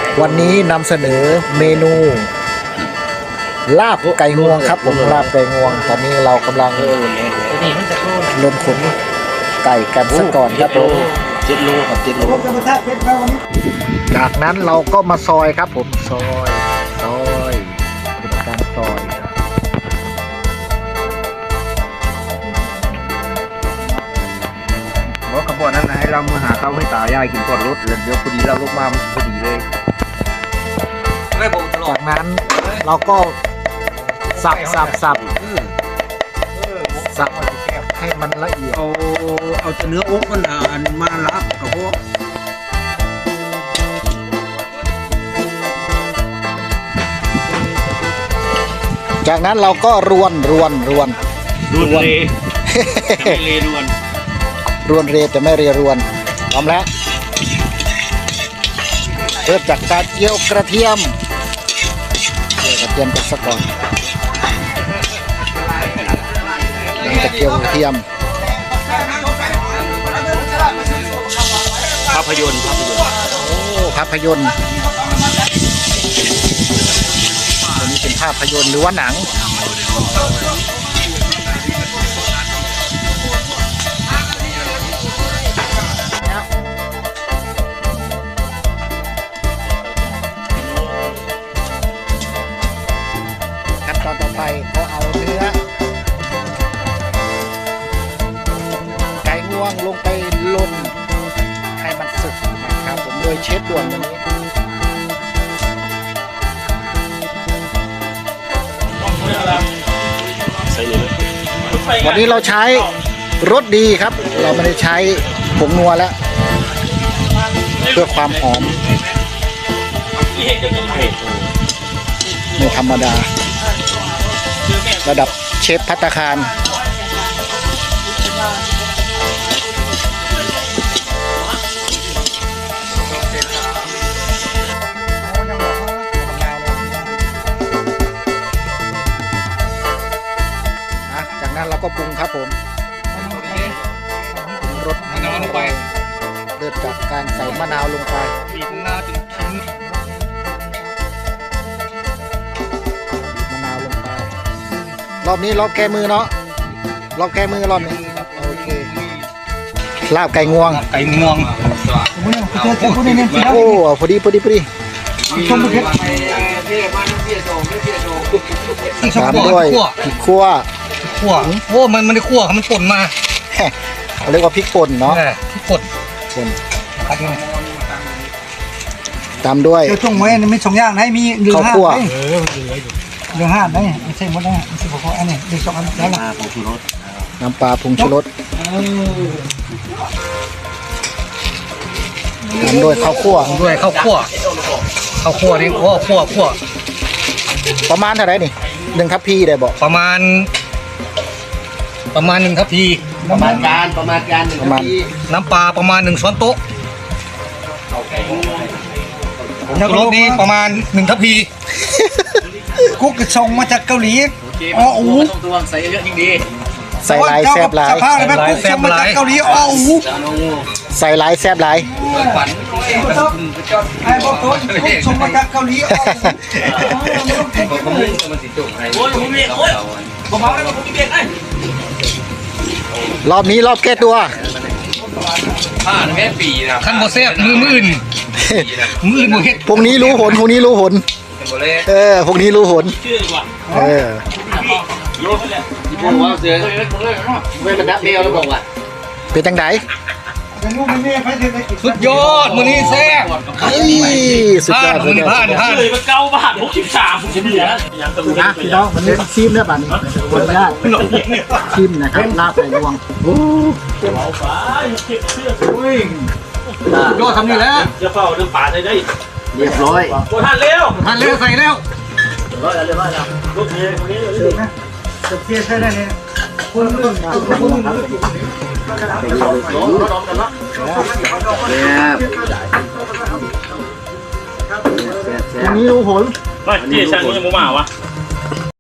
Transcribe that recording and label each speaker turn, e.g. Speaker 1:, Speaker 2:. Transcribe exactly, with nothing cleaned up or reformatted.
Speaker 1: วันนี้นำเสนอเมนูลาบไก่งวงครับผมลาบไก่งวงตอนนี้เรากำลังลนขนไก่กันซะก่อนครับผม
Speaker 2: เจ็ดโลครับเจ็ดโล
Speaker 1: จากนั้นเราก็มาซอยครับผมซอยซอยปฏิบัติการซอย
Speaker 2: เพราะขบวนนั้นให้เรามาหาข้าวให้ตายายกินก่อนรถแล้วเดี๋ยวพอดีเราลงมาพอดีเลย
Speaker 1: จากนั้นเราก็สับสับสับสับให้มันละเอียด
Speaker 2: เอาเอาเนื้ออกมันอ่านมาลับกับพวก
Speaker 1: จากนั้นเราก็รวนรวนรวน
Speaker 2: รวนเรไม่เรรวน
Speaker 1: รวนเรจะไม่เรรวนพร้อมแล้วเริ่มจากการเจียวกระเทียมเจียวกระเทียมกันสักก่อนหลังจากเจียวกระเทียม
Speaker 2: ภาพยนตร์
Speaker 1: โอ้ภาพยนตร์ตัวนี้เป็นภาพยนตร์หรือว่าหนังขั้นตอนต่อไปก็เอาเนื้อไก่งวงลงไปลนให้มันสุกนะครับผมโดยเชฟด่วนวันนี้วันนี้เราใช้รสดีครับเราไม่ได้ใช้ผงนัวแล้วเพื่อความหอมไม่ธรรมดาระดับเชฟภัตตาคารจากนั้นเราก็ปรุงครับผมรสมะนาวลงไปเริ่มจากการใส่มะนาวลงไปบีบมะนาวจนทิ้งมะนาวลงไปรอบนี้รอบแก้มือเนาะรอบแก้มือรอบนี้โอเคลาบไก่งวง
Speaker 2: ไก่งวง
Speaker 1: โอ้พอดีพอดีพอดีตามด้วยพริกขั่ว
Speaker 2: ขั่วโอ้มันมันได้ขั่วมันป่นมา
Speaker 1: เขาเรียกว่าพริกป่นเนาะ
Speaker 2: พริกป่น
Speaker 1: ป่นตามด้วย
Speaker 3: เดี๋ยวช่วงไว้ไม่ช่องย่างนะมีเรือห้าไหมเรือห้าได้ไม่ใช่หมดได้ไม่ใช่พออันนี้เดี๋ยวสองอันแล้วนะ
Speaker 1: น้ำปลาผงชูรสตามด้วยข้าวคั่ว
Speaker 2: ด้วยข้าวคั่วข้าวคั่วนี่โอ้คั่วคั่ว
Speaker 1: ประมาณเท่าไหร่นี่หนึ่งทัพพีได้บอก
Speaker 2: ประมาณประมาณหนึ่งทัพพี
Speaker 3: ประมาณการประมาณการหนึ่งทัพพี
Speaker 2: น้ำปลาประมาณหนึ่งช้อนโต๊ะรสนี้ประมาณหนึ่งทัพพี
Speaker 3: กุ๊กส่งมาจากเกาหลีอ๋ออู
Speaker 2: ตัวใส่เยอะยิ่งดี
Speaker 1: ใส่ลายแซ่บลาย
Speaker 3: สภาพอะไรกุ๊กส่งมาจากเกาหลีอ๋ออู
Speaker 1: ใส่ลายแซ่บลาย
Speaker 3: ไอ้บอกตัวกุ๊กส่งมาจากเกาหลีอ๋อ
Speaker 1: รอบนี้รอบแก้ตัว
Speaker 2: ผ่านแค่ปีนะขั้นโมเสสมือมืออื่นมืออื่นโมเฮ็ด
Speaker 1: พวกนี้รู้ผลพวกนี้รู้ผลเออพวกนี้รู้ผลเออเป็นดับเดียวแล้วบอกว่าเป็นจังได
Speaker 2: สุดยอดมือนี้แซ่บ
Speaker 1: เฮ้ยสุดยอด
Speaker 2: มือนี้ผ่านผ่าน
Speaker 4: เลยมาเก้าบาทหกสิบสามผมจะเหลือ
Speaker 1: นะพี่น้องมันนี้ชิมได้ป่ะนี่คนไม่ได้ชิมนะครับลาบไก่งวงโอ้
Speaker 4: เอาไปเก็บเสื้อ
Speaker 2: วิ่งยอดทำนี่แล้ว
Speaker 4: จะเฝ้าเรื่องป่าได้ได้
Speaker 1: เรียบร้อย
Speaker 4: โอ้ท่านเร็ว
Speaker 2: ท่านเร็วใส่แล้ว
Speaker 4: ร้อยแล้วเรียบร้อยแล้วลูกเมียคนนี้เลยนะ
Speaker 3: จะเพี้ยใช่ได้เนี่ย
Speaker 1: คนละครึ่งนะคนละครึ่งตรงนี้รู้ผล
Speaker 4: ไม่เจ๊ช่างนี้ยังไม่มาวะ